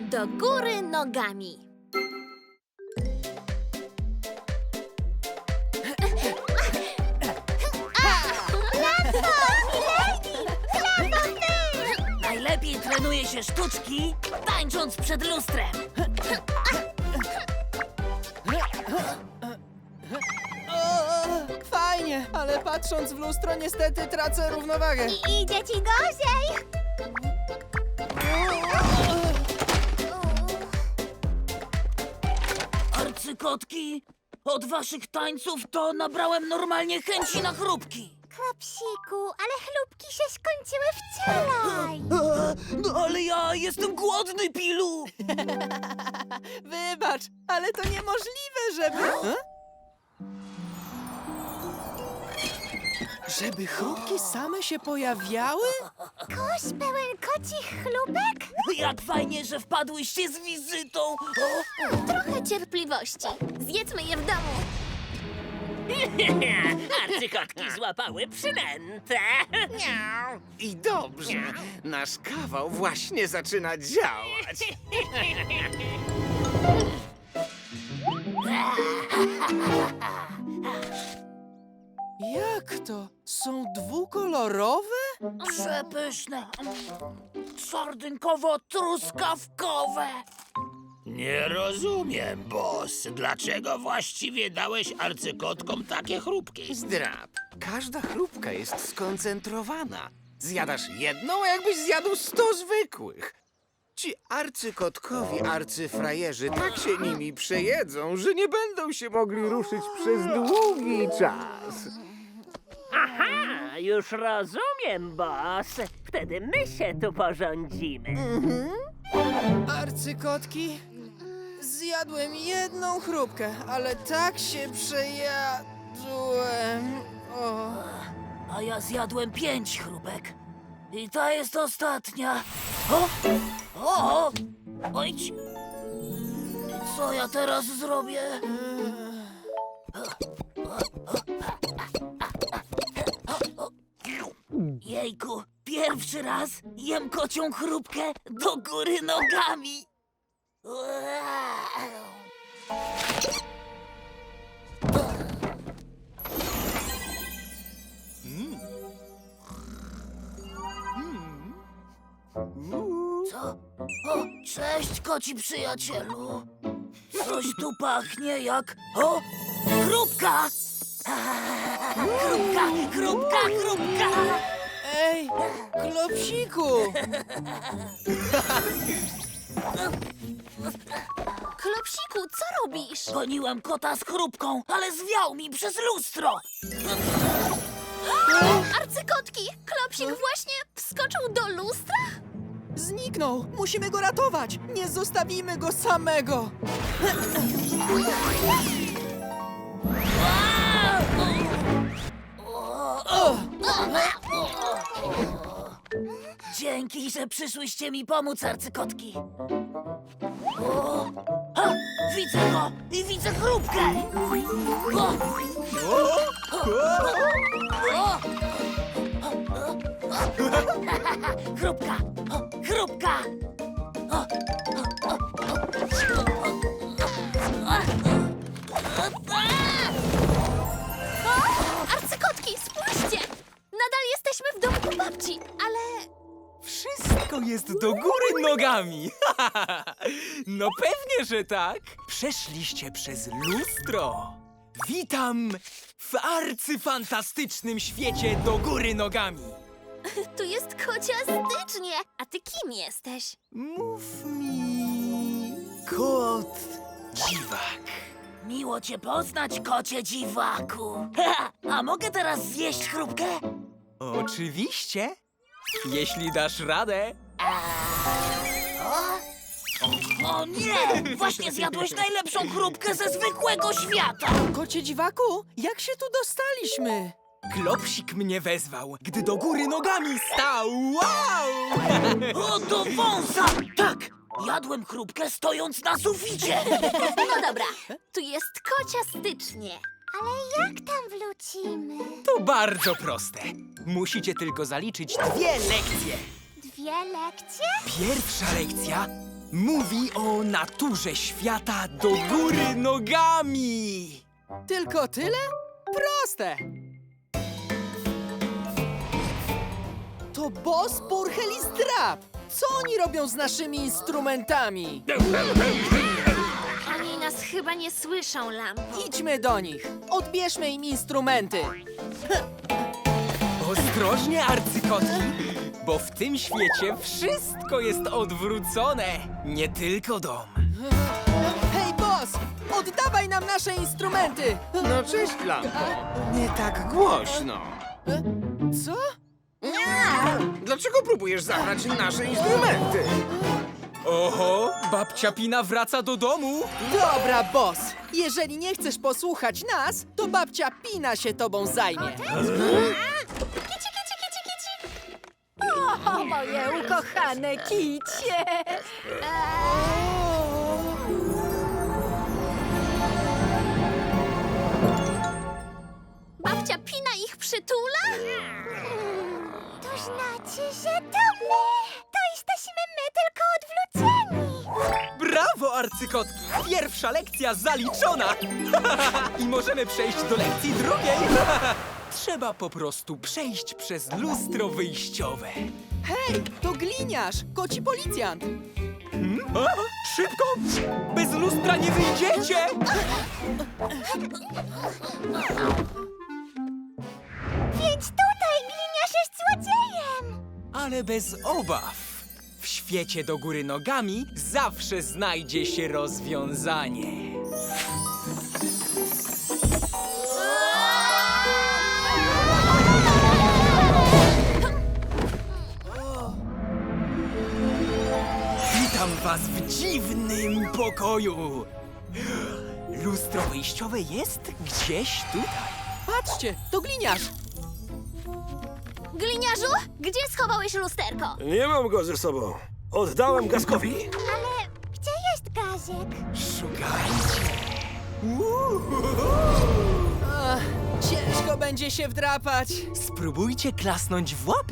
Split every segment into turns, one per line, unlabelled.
Do góry nogami.
Najlepiej trenuje się sztuczki, tańcząc przed lustrem.
Fajnie, ale patrząc w lustro niestety tracę równowagę.
I idzie ci gorzej.
Arcykotki, od waszych tańców to nabrałem normalnie chęci na chrupki.
Klopsiku, ale chlubki się skończyły wczoraj.
No ale ja jestem głodny, Pilu.
Wybacz, ale to niemożliwe, żeby... Żeby chrupki same się pojawiały?
Kosz pełen kocich chlubek?
Jak fajnie, że wpadłyście z wizytą. O,
Trochę cierpliwości. Zjedzmy je w domu.
Arcykotki złapały przynętę.
I dobrze, nasz kawał właśnie zaczyna działać.
Jak to? Są dwukolorowe?
przepyszne. Sardynkowo-truskawkowe.
Nie rozumiem, boss. Dlaczego właściwie dałeś arcykotkom takie chrupki?
Zdrab, każda chrupka jest skoncentrowana. Zjadasz jedną, a jakbyś zjadł 100 zwykłych. Ci arcykotkowi arcyfrajerzy tak się nimi przejedzą, że nie będą się mogli ruszyć przez długi czas.
Aha, już rozumiem, boss. Wtedy my się tu porządzimy.
Arcykotki? Zjadłem jedną chrupkę, ale tak się przejadłem. O.
A ja zjadłem 5 chrupek. I ta jest ostatnia. O! O! Ojdź! I co ja teraz zrobię? Jejku, pierwszy raz jem kocią chrupkę do góry nogami. Co? O, cześć, koci przyjacielu. Coś tu pachnie jak... O! Chrupka! Chrupka, chrupka, chrupka!
Ej, Klopsiku!
Klopsiku, co robisz?
Goniłem kota z chrupką, ale zwiał mi przez lustro.
Arcykotki, Klopsik właśnie wskoczył do lustra?
Zniknął! Musimy go ratować! Nie zostawimy go samego!
Dzięki, że przyszłyście mi pomóc, arcykotki. O! Ha! Widzę go i widzę chrupkę. O! O! Chrupka! O, chrupka! O,
Arcykotki, spójrzcie! Nadal jesteśmy w domku babci, ale...
Wszystko jest do góry nogami! No pewnie, że tak! Przeszliście przez lustro! Witam w arcyfantastycznym świecie do góry nogami!
Tu jest kocia stycznie. A ty kim jesteś?
Mów mi... kot dziwak.
miło cię poznać, kocie dziwaku. A mogę teraz zjeść chrupkę?
Oczywiście! Jeśli dasz radę.
O nie! Właśnie zjadłeś najlepszą chrupkę ze zwykłego świata!
Kocie dziwaku, jak się tu dostaliśmy?
Klopsik mnie wezwał, gdy do góry nogami stał. Wow!
O, do wąsa! Tak! Jadłem chrupkę stojąc na suficie!
No dobra, tu jest kocia stycznie. Ale jak tam wrócimy?
To bardzo proste. Musicie tylko zaliczyć 2 lekcje.
dwie lekcje?
Pierwsza lekcja mówi o naturze świata do góry nogami.
Tylko tyle? Proste! To Boss, Purchel i Zdrab! Co oni robią z naszymi instrumentami?
Oni nas chyba nie słyszą, Lambo.
Idźmy do nich. Odbierzmy im instrumenty.
Ostrożnie, arcykotki, bo w tym świecie wszystko jest odwrócone. Nie tylko dom.
Hej, Boss! Oddawaj nam nasze instrumenty!
No cześć, Lampo. Nie tak głośno.
Co?
Dlaczego próbujesz zabrać nasze instrumenty?
Oho, babcia Pina wraca do domu.
Dobra, Boss! Jeżeli nie chcesz posłuchać nas, to babcia Pina się tobą zajmie.
O, moje ukochane kicie! Babcia Pina ich przytula?
To znaczy, że to my! To jesteśmy my, tylko odwróceni!
Brawo, arcykotki! Pierwsza lekcja zaliczona! I możemy przejść do lekcji drugiej. Trzeba po prostu przejść przez lustro wyjściowe.
Hej, to gliniarz, koci policjant.
O, szybko! Bez lustra nie wyjdziecie!
Więc tutaj gliniarz jest złodziejem!
Ale bez obaw. W świecie do góry nogami zawsze znajdzie się rozwiązanie. Witam was w dziwnym pokoju. Lustro wyjściowe jest gdzieś tutaj.
Patrzcie, to gliniarz.
Gliniarzu, gdzie schowałeś lusterko?
Nie mam go ze sobą. Oddałem Gaskowi.
Ale gdzie jest Gazek?
Szukajcie.
Ach, ciężko będzie się wdrapać.
Spróbujcie klasnąć w łapy.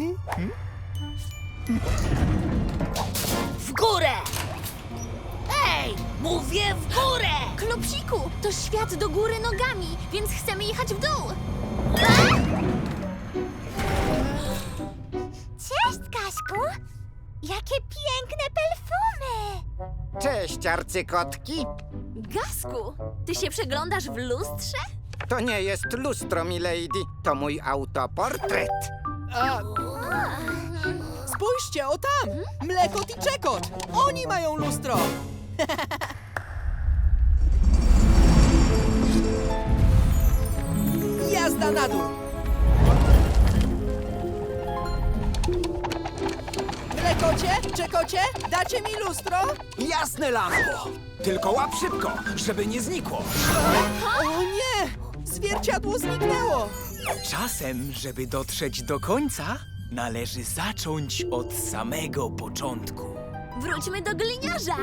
W górę! Ej, mówię w górę!
Klopsiku, to świat do góry nogami, więc chcemy jechać w dół.
Cześć, Gazku! Jakie piękne perfumy!
Cześć, arcykotki.
Gasku, ty się przeglądasz w lustrze?
To nie jest lustro, milady. To mój autoportret.
A... Spójrzcie, o tam! Mlekot i Czekot! Oni mają lustro! Jazda na dół! Mlekocie, Czekocie, dacie mi lustro?
Jasne, Lambo. Tylko łap szybko, żeby nie znikło.
O nie! Zwierciadło zniknęło!
Czasem, żeby dotrzeć do końca, należy zacząć od samego początku.
Wróćmy do gliniarza.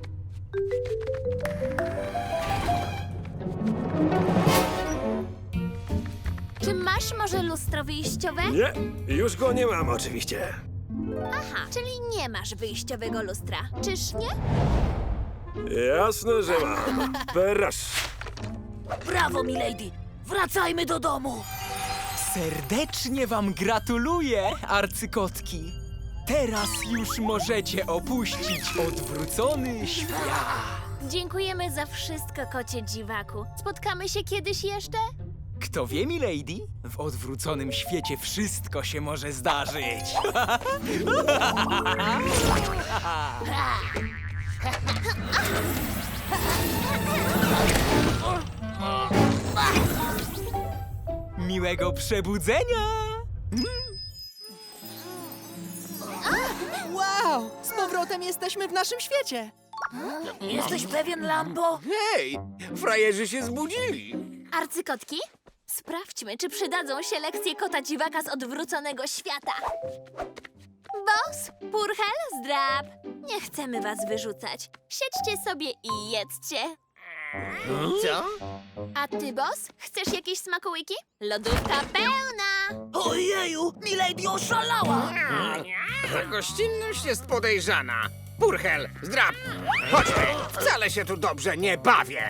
Czy masz może lustro wyjściowe?
Nie, już go nie mam oczywiście.
Aha, czyli nie masz wyjściowego lustra, czyż nie?
Jasne, że mam. Perasz.
Brawo, milady! Wracajmy do domu!
Serdecznie wam gratuluję, arcykotki. Teraz już możecie opuścić odwrócony świat.
Dziękujemy za wszystko, kocie dziwaku. Spotkamy się kiedyś jeszcze?
Kto wie, milady, w odwróconym świecie wszystko się może zdarzyć. Miłego przebudzenia!
Wow! Z powrotem jesteśmy w naszym świecie!
Jesteś pewien, Lambo?
Hej, frajerzy się zbudzili.
Arcykotki? Sprawdźmy, czy przydadzą się lekcje kota dziwaka z odwróconego świata. Boss, Purchel, Zdrab. Nie chcemy was wyrzucać. Siedźcie sobie i jedzcie.
Co?
A ty, boss, chcesz jakieś smakołyki? Lodówka pełna!
Ojeju, Milady oszalała!
Ta gościnność jest podejrzana. Purchel, zdrab, chodźmy. Wcale się tu dobrze nie bawię.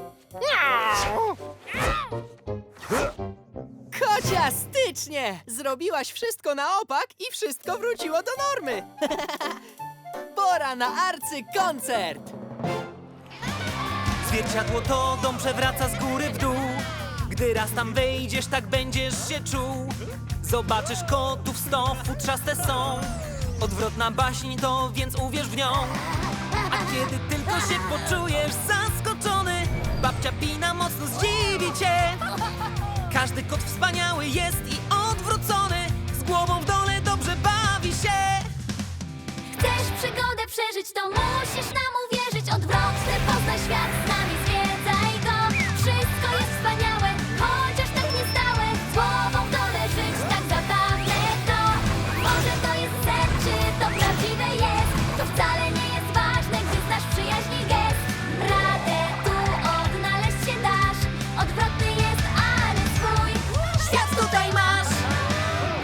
Kociastycznie! Zrobiłaś wszystko na opak i wszystko wróciło do normy. Pora na arcykoncert!
Zwierciadło to dom przewraca z góry w dół. Gdy raz tam wejdziesz, tak będziesz się czuł. Zobaczysz kotów 100, futrzaste są. Odwrotna baśń to, więc uwierz w nią. A kiedy tylko się poczujesz zaskoczony, babcia Pina mocno zdziwi cię. Każdy kot wspaniały jest i odwrócony. Z głową w dole dobrze bawi się.
Chcesz przygodę przeżyć, to musisz nam uwierzyć. Odwrotny poznaj świat, z nami zwiedzaj go. Wszystko jest wspaniałe, chociaż tak niestałe. Z głową w dole żyć, tak zabawne to. Może to jest sen, czy to prawdziwe jest. To wcale nie jest ważne, gdy znasz przyjaźni gest. Radę tu odnaleźć się dasz. Odwrotny jest, ale swój świat tutaj masz.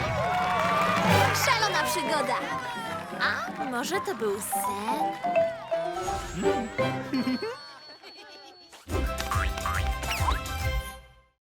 Szalona przygoda. A może to był sen?